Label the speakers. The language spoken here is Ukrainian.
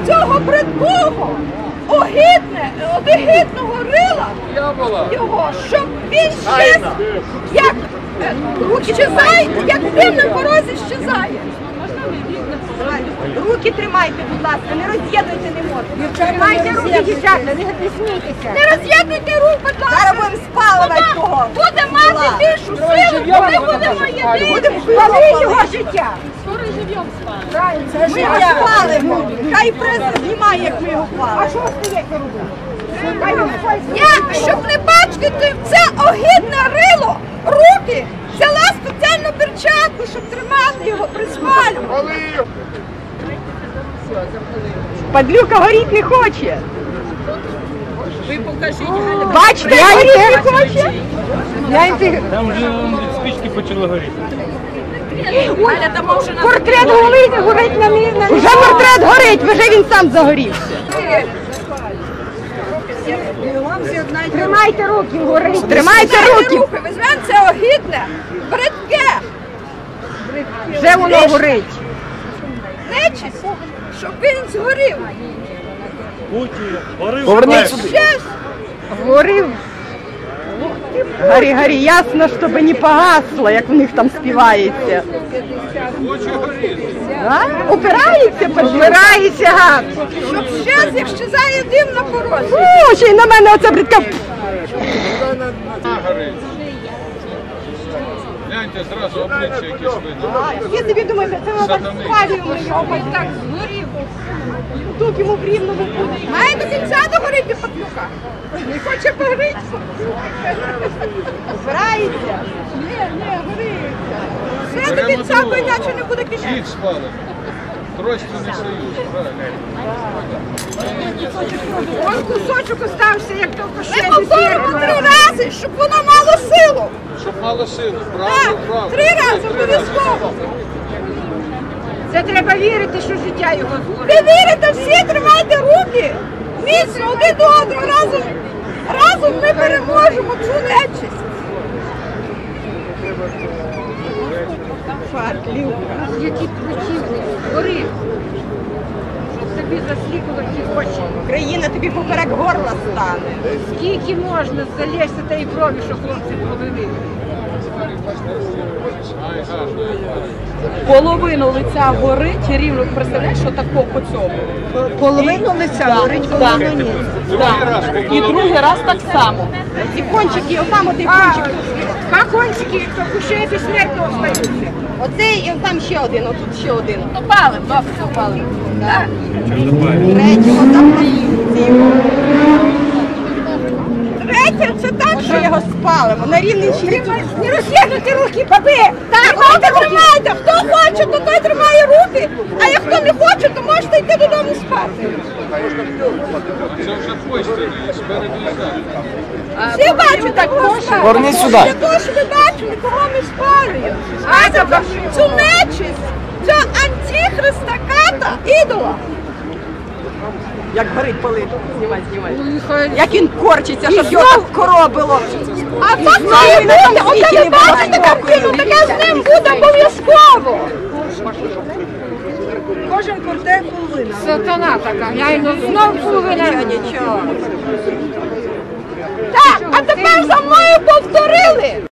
Speaker 1: цього бридкого, огидного рила його, щоб він щез, як щезає, як дим на порозі щезає. Руки тримайте, будь ласка, не роз'єднуйте, не можна. Тримайте руки, дівчата, не смійтеся. Не роз'єднуйте рук, будь ласка. Зараз будемо спалювати того. Буде мати більшу силу, ми будемо єдині. Будемо спалити його життя.
Speaker 2: Скоро живем спалимо.
Speaker 1: Це життя спалимо. Хай преса знімає, як ми його палимо. А що стоїте робити? Я, щоб не бачити це огидне рило, руки, взяла спеціальну перчатку, щоб тримати його при спалюванні. Падлюка горіть не хоче.
Speaker 2: Ви покажіть, Галя.
Speaker 1: Бачите, горіть не хоче.
Speaker 3: Там вже спички почали горіти.
Speaker 2: Галя, там може на...
Speaker 1: Портрет горить на мій. Вже портрет горить, вже він сам загорівся. Тримайте руки, горить. Тримайте руки. Візьмемо це огидне, бридке. Вже воно горить. Нечисть, щоб він згорів.
Speaker 3: Поверніть сюди.
Speaker 1: Щас. Горів. Горі, ясно, щоб не погасло, як в них там співається. Упирається, підбирається, гад. Щоб щас, як щезає дим на порозі. О, ще й на мене оця бридка.
Speaker 4: Гляньте, зразу обличчя якесь видно.
Speaker 1: Я собі думаю, це воно так спалюємо його, ось так згорів. Тут йому в рівному буде. Має до кінця догоріти патлюка. Не хоче погоріти. Збирається. Ні, гориться. Все до кінця, бо іначе не буде кінця.
Speaker 4: Всіх спалимо. Тройственний союз, правильно.
Speaker 1: Ось кусочок остався, як довго ще. Ми повторимо 3 рази, щоб воно мало силу.
Speaker 4: Щоб мало сили,
Speaker 1: Так,
Speaker 4: правильно, правильно.
Speaker 1: 3 рази обов'язково.
Speaker 2: Це треба вірити, що життя його згорить.
Speaker 1: Ви вірите, всі тримайте руки. Міцно один до одного. Разом ми переможемо цю нечисть. Фатлюка.
Speaker 2: Які противні, горить. Щоб тобі засліпило ті очі.
Speaker 1: Україна тобі поперек горла стане.
Speaker 2: Скільки можна залізти тієї крові, що хлопці полили?
Speaker 4: Ай, гарно.
Speaker 5: Половину лиця горить, рівно, представляєш, що тако по цьому.
Speaker 1: Половину лиця горить, половину ні.
Speaker 4: Другий раз
Speaker 5: І другий раз так само.
Speaker 1: І кончики, отам отий кончик.
Speaker 2: Два кончики, хто кушає безсмертно остаються.
Speaker 1: Оцей і там ще один, отут ще один.
Speaker 5: Ну палим, добре, палим.
Speaker 1: Третього там Третє, це так, що його спалимо. На рівний щит. Не роз'єднуйте руки, баби! Тримайте! Хто хоче, то той тримає руки, а як хто не хоче, то можете йти додому спати.
Speaker 4: Це вже постійно, і спереду і ззаду.
Speaker 1: Всі бачать, так можна.
Speaker 3: Поверніть сюди.
Speaker 1: Для того, щоб ви бачили, кого ми спалюємо. Знаєте, цю нечисть, цього антихриста ката, ідола. Як горить палить. Знімай. Як він корчиться, щоб його так коробило. А так має бути. Оце ви бачите картину, таке з ним буде обов'язково. Кожен квартир половина.
Speaker 2: Сатана така, я йому знов половина.
Speaker 1: Нічого. Так, а тепер за мною повторили.